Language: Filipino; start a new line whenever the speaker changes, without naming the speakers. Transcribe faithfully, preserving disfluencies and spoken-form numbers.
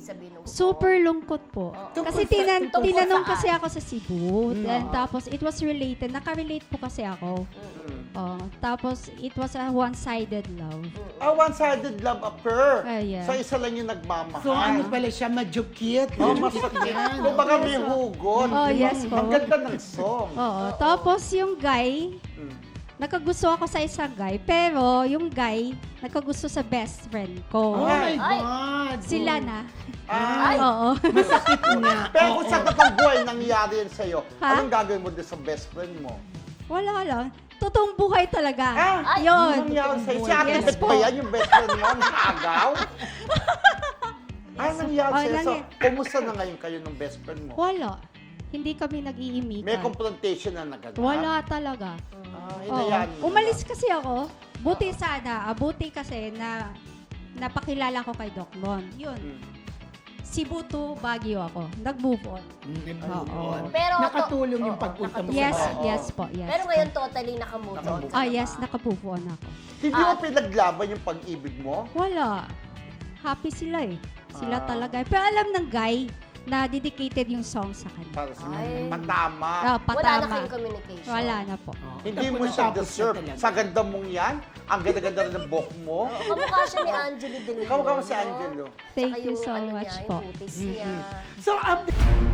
ibig sabihin ng
Super lungkot po.
Oo.
Kasi
Tungkol sa-
tinan
tungkol
tinanong
saan?
kasi ako sa Cebu.
Mm.
And tapos it was related. Naka-relate po kasi ako. Oh, tapos it was a one-sided love.
A one-sided love affair.
Ah, yeah.
So, isa lang yung nagmamahal.
So ano pala siya, majukit.
Oh, masakit. Kung baka may hugot.
Oh, yes po.
Ang ganda ng song.
Oo. Tapos yung guy,
Mm.
nagkagusto ako sa isang guy. Pero yung guy, nagkagusto sa best friend ko.
Oh my
Ay.
God.
Sila na.
Ah,
Oo.
Masakit nga.
pero kung sa totoong buhay nangyari yan sa'yo,
Ha?
anong gagawin mo doon sa best friend mo?
Wala lang. Totoong buhay talaga.
Ah,
Ay,
Yun.
nangyari sa'yo? Si Ate
Yes
Bet
po.
ba yan, yung best friend mo? Nakagaw? Ah, nangyari
Oh,
sa'yo. So,
nangy-
kumusta na ngayon kayo ng best friend mo?
Wala. Hindi kami nag-iimikan.
May confrontation na naganap?
Wala talaga.
Ah,
Oo.
hinayaan mo
Umalis
na.
kasi ako. Buti sana. ah, Buti kasi na napakilala ko kay Doc Mon. Yun.
Mm.
Cebu to Baguio ako. Nag-move on.
Oo.
Pero-
Nakatulong yung
Oo,
pagpunta mo
Yes,
sa
Oo.
yes po. Yes.
Pero ngayon totally nakamove on. ka
Ah,
na
yes.
ba?
Naka-move on ako.
Hindi mo pinaglaban yung pag-ibig mo?
Wala. Happy sila eh. Sila
Ah.
talaga. Pero alam ng guy na dedicated yung song sa kanya.
Para sa
Ay.
patama.
Ah,
Wala na
patama.
kayong communication.
Wala na po.
Hindi mo siya deserve. Sa ganda mong yan, ang ganda-ganda rin ng buhok mo.
Oo, kamukha siya ni Angelo De Leon.
Kamukha mo si
no?
Angelo.
Thank
Tsaka
you
yung
so
ano
much
niya,
po.
Yung putis niya.
So, up